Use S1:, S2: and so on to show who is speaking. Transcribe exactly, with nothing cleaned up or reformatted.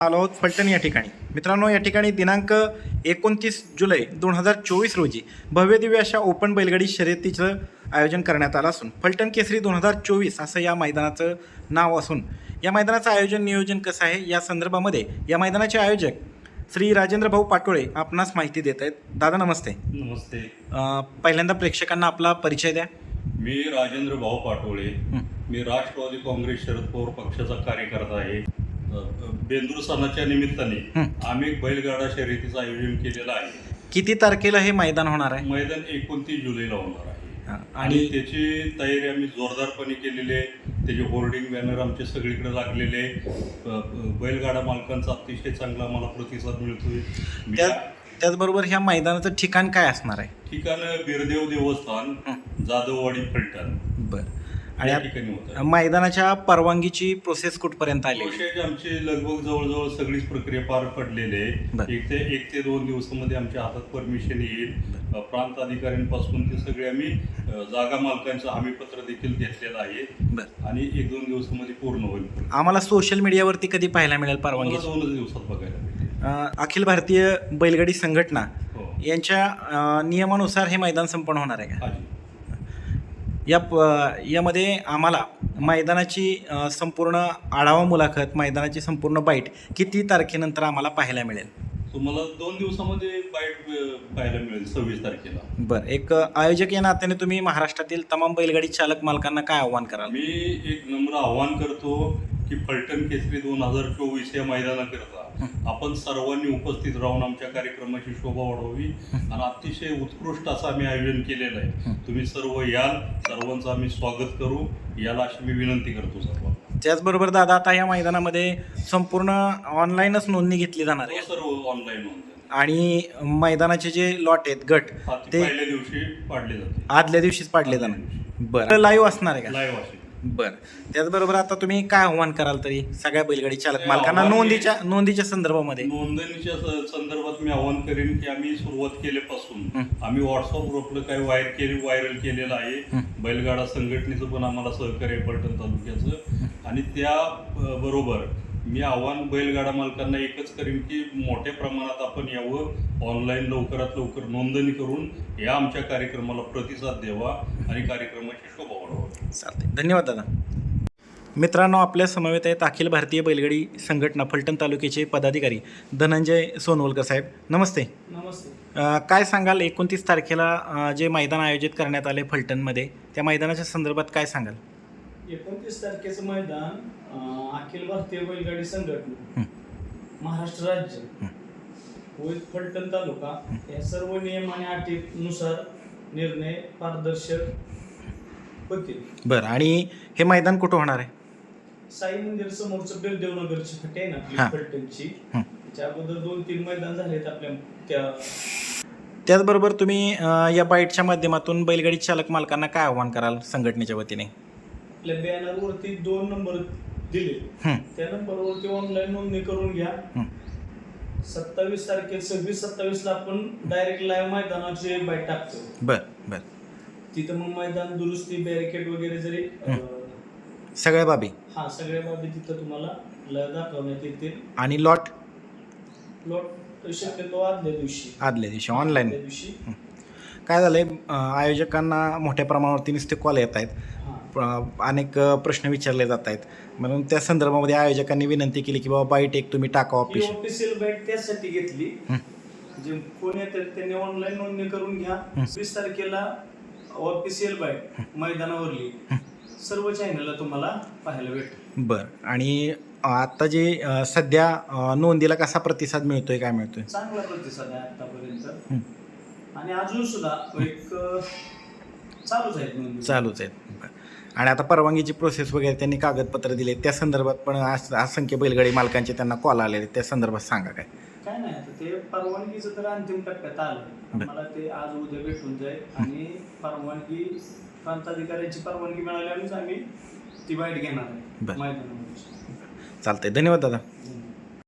S1: आलो आहोत फलटण या ठिकाणी. मित्रांनो, या ठिकाणी दिनांक एकोणतीस जुलै दोन हजार चोवीस रोजी भव्यदिव्य अशा ओपन बैलगाडी शर्यतीचं आयोजन करण्यात आलं असून फलटण केसरी दोन हजार चोवीस असं या मैदानाचं नाव असून या मैदानाचं आयोजन नियोजन कसं आहे या संदर्भामध्ये या मैदानाचे आयोजक श्री राजेंद्र भाऊ पाटोळे आपणास माहिती देत आहेत. दादा नमस्ते.
S2: नमस्ते.
S1: अं, पहिल्यांदा प्रेक्षकांना आपला परिचय द्या.
S2: मी राजेंद्र भाऊ पाटोळे. मी राष्ट्रवादी काँग्रेस शरद पवार पक्षाचा कार्यकर्ता आहे. बेंदूर सणाच्या निमित्ताने आम्ही बैलगाडा शर्यतीचं आयोजन केलेलं आहे.
S1: किती तारखेला हे मैदान होणार आहे?
S2: मैदान एकोणतीस जुलैला होणार आहे
S1: आणि
S2: आणि त्याची तयारी आम्ही जोरदारपणे केलेली आहे. त्याचे होर्डिंग बॅनर आमचे सगळीकडे लागलेले. बैलगाडा मालकांचा अतिशय चांगला आम्हाला प्रतिसाद मिळतोय.
S1: त्या त्याचबरोबर ह्या मैदानाचं ठिकाण काय असणार आहे?
S2: ठिकाण बिरदेव देवस्थान, जाधववाडी, फलटण.
S1: बरं.
S2: आणि
S1: आणि
S2: ठिकाणी होतं.
S1: मैदानाच्या परवानगीची प्रोसेस कुठपर्यंत आली?
S2: प्रोसेस आमची लगभग जवळजवळ सगळीच प्रक्रिया पार पडलेली आहे. एक ते एक ते दोन दिवसामध्ये आमच्या हातात परमिशन येईल. प्रांत अधिकाऱ्यांपासून ते सगळे आम्ही जागा मालकांचं हमीपत्र देखील घेतलेलं आहे आणि एक दोन दिवसामध्ये पूर्ण होईल.
S1: आम्हाला सोशल मीडियावरती कधी पाहायला मिळेल परवानगी?
S2: दोनच दिवसात बघायला मिळेल.
S1: अखिल भारतीय बैलगाडी संघटना
S2: हो.
S1: यांच्या अ, नियमानुसार हे मैदान संपन्न होणार आहे का?
S2: हाजी.
S1: या प- यामध्ये आम्हाला मैदानाची अ, संपूर्ण आढावा मुलाखत, मैदानाची संपूर्ण बाईट किती तारखेनंतर आम्हाला पाहायला मिळेल?
S2: तुम्हाला दोन दिवसामध्ये बाईट पाहायला मिळेल सव्वीस तारखेला.
S1: बरं. एक आयोजक या नात्याने तुम्ही महाराष्ट्रातील तमाम बैलगाडी चालक मालकांना काय आव्हान कराल?
S2: मी एक नम्र आव्हान करतो की फलटण केसरी दोन हजार चोवीस या मैदानाकरता आपण सर्वांनी उपस्थित राहून आमच्या कार्यक्रमाची शोभा वाढवावी आणि अतिशय उत्कृष्ट असं आम्ही आयोजन केलेलं आहे. तुम्ही सर्व याल, सर्वांचं आम्ही स्वागत करू याला अशी मी विनंती करतो सर्वांना.
S1: त्याचबरोबर दादा, आता या मैदानामध्ये संपूर्ण ऑनलाईनच नोंदणी घेतली जाणार आहे
S2: सर्व ऑनलाईन नोंद
S1: आणि मैदानाचे जे लॉट आहेत, गट, ते
S2: पहिल्या दिवशी पाडले जाते.
S1: आदल्या दिवशीच पाडले जाणार. बरं. लाईव्ह असणार आहे का?
S2: लाईव्ह असेल.
S1: बरं. त्याचबरोबर आता तुम्ही काय आव्हान कराल तरी सगळ्या बैलगाडी चालक मालकांना नोंदीच्या नोंदीच्या संदर्भामध्ये?
S2: नोंदणीच्या स- संदर्भात मी आवाहन करेन की आम्ही सुरुवात केल्यापासून आम्ही व्हॉट्सअप ग्रुपला काही वायर केले व्हायरल केलेलं आहे. बैलगाडा संघटनेचं पण आम्हाला सहकार्य आहे फलटण तालुक्याचं. आणि त्या अ, बरोबर मी आव्हान बैलगाडा मालकांना एकच करेन की मोठ्या प्रमाणात आपण यावं, ऑनलाईन लवकरात लवकर नोंदणी करून या आमच्या कार्यक्रमाला प्रतिसाद द्यावा आणि कार्यक्रमाची शोभा वाढवावी.
S1: चालते. धन्यवाद दादा. मित्रांनो, आपल्या समवेत आहेत अखिल भारतीय बैलगाडी संघटना फलटण तालुक्याचे पदाधिकारी धनंजय सोनवलकर साहेब. नमस्ते.
S3: नमस्ते.
S1: अ, काय सांगाल, एकोणतीस तारखेला अ, जे मैदान आयोजित करण्यात आले फलटणमध्ये, त्या मैदानाच्या संदर्भात काय सांगाल?
S3: एकोणतीस तारखेचं मैदान अं, अखिल भारतीय बैलगाडी संघटना, महाराष्ट्र राज्य व फलटण तालुका या सर्व नियम आणि अटीनुसार निर्णय पारदर्शक होतील. बरं.
S1: आणि हे मैदान कुठं होणार आहे?
S3: साई मंदिर समोरचं बिरदेवनगरची फटे आहे ना आपली
S1: हां.
S3: फलटणची, त्याच्या अगोदर दोन तीन मैदान झालेत आपल्या त्या.
S1: त्याचबरोबर तुम्ही अ, या बाईटच्या माध्यमातून बैलगाडी चालक मालकांना काय आव्हान कराल संघटनेच्या वतीने?
S3: आपल्या बॅनरवरती दोन नंबर दिले, त्या नंबरवरती ऑनलाईन नोंदणी करून घ्या. सत्तावीस तारखे सव्वीस सत्तावीस ला आपण डायरेक्ट लाईव्ह मैदानाची बाईट टाकतो.
S1: बरं बरं.
S3: तिथं मग मैदान दुरुस्ती, बॅरिकेड वगैरे जरी अं,
S1: सगळ्या बाबी
S3: हा सगळ्या बाबी तिथं तुम्हाला ल- दाखवण्यात येतील.
S1: आणि लॉट
S3: प्लॉट शक्यतो आदल्या दिवशी
S1: आदल्या दिवशी ऑनलाईन.
S3: आदल्या दिवशी
S1: काय झालंय, अ, आयोजकांना मोठ्या प्रमाणावरती नुसते कॉल येत आहेत,
S3: हा.
S1: प्र- अनेक अ, प्रश्न विचारले जात आहेत. म्हणून त्या संदर्भामध्ये आयोजकांनी विनंती केली की बाबा बाईट एक तुम्ही टाका
S3: ही
S1: ऑफिस.
S3: ऑफिशियल बाईट त्यासाठी घेतली, जे कोण येतात त्यांनी ऑनलाईन नोंदणी करून घ्या. वीस तारखेला ऑफिशियल बाईट मैदानावरली सर्व चॅनलला तुम्हाला पाहायला भेटेल.
S1: बरं. आणि आता जे अ, सध्या अ, नोंदीला कसा प्रतिसाद मिळतोय, काय मिळतोय?
S3: चांगला प्रतिसाद आहे आतापर्यंत आणि अजून सुद्धा एक अं, चालूच आहे नोंदणी.
S1: चालूच आहेत. बरं. आणि आता परवानगीची प्रोसेस वगैरे त्यांनी कागदपत्र दिले, त्या संदर्भात पण अस- असंख्य बैलगाडी मालकांचे त्यांना कॉल आलेले, त्या संदर्भात सांगा काय?
S3: काय नाही, आता ते परवानगीचं तर अंतिम टप्प्यात आलं. मला ते आज उद्या भेटून जाईल आणि परवानगी प्रांताधिकाऱ्यांची परवानगी मिळाल्यानेच आम्ही ती बाईट घेणार आहे
S1: बरं.
S3: मैदानामध्ये.
S1: चालतंय. धन्यवाद दादा.